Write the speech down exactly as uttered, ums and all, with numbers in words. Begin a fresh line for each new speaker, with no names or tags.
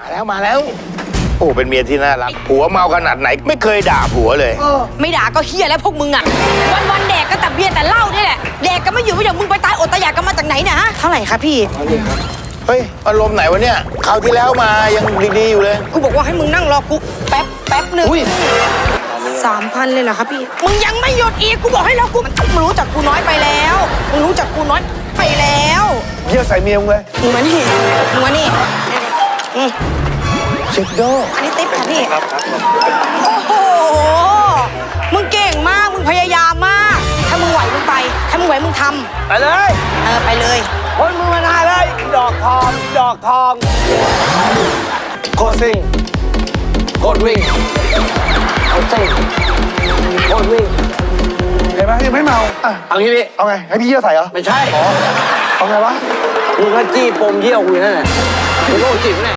แล้วมาแล้วโอ้เป็นเมียที่น่ารักผัวเมาขนาดไหนไม่เคยด่าผัวเลย
ไม่ด่าก็เฮียแล้วพวกมึงอ่ะวันวันๆแดกก็แต่เบียร์แต่เหล้านี่แหละแดกก็ไม่อยู่ไม่อย่างมึงไปตายอดตายอยากกันมาจากไหนเนี่ยฮะเท่าไหร่คะพี่
เฮ้ยอารมณ์ไหนวะเนี่ยคราวที่แล้วมายังดีๆอยู่เลย
กูบอกว่าให้มึงนั่งรอกูแป๊บแป๊บหนึ่ง
อุ้ย
สามพันเลยเหรอครับพี่มึงยังไม่หยุดอีกกูบอกให้รอกูมึงรู้จักกูน้อยไปแล้วมึงรู้จักกูน้อยไปแล้ว
เยี่ยใส่เมียมึงเลย
มึงมานี่มึงมานี่อืม
เช็คโด
อันนี้ติ๊บค่ะพี่โอ้โหมึงเก่งมากมึงพยายามมากถ้ามึงไหวมึงไปถ้ามึงไหวมึงทำ
ไปเลย
เออไปเลย
คนมือมานานเลยดอกทองดอกทองโคตรซิ่งโคตรวิ่งโคตรซิ่งโคตรวิ่งเห็นไหมยังไม่เมาอ่ะ
เอางี้พี่
เอาไงให้พี่เยี่ยใส่เหรอ
ไม่ใช่
เอาไงวะ
มึงก็จี้ปมเยี่ยวกูอยู่นั่นแหละมึงโรคจิตแน่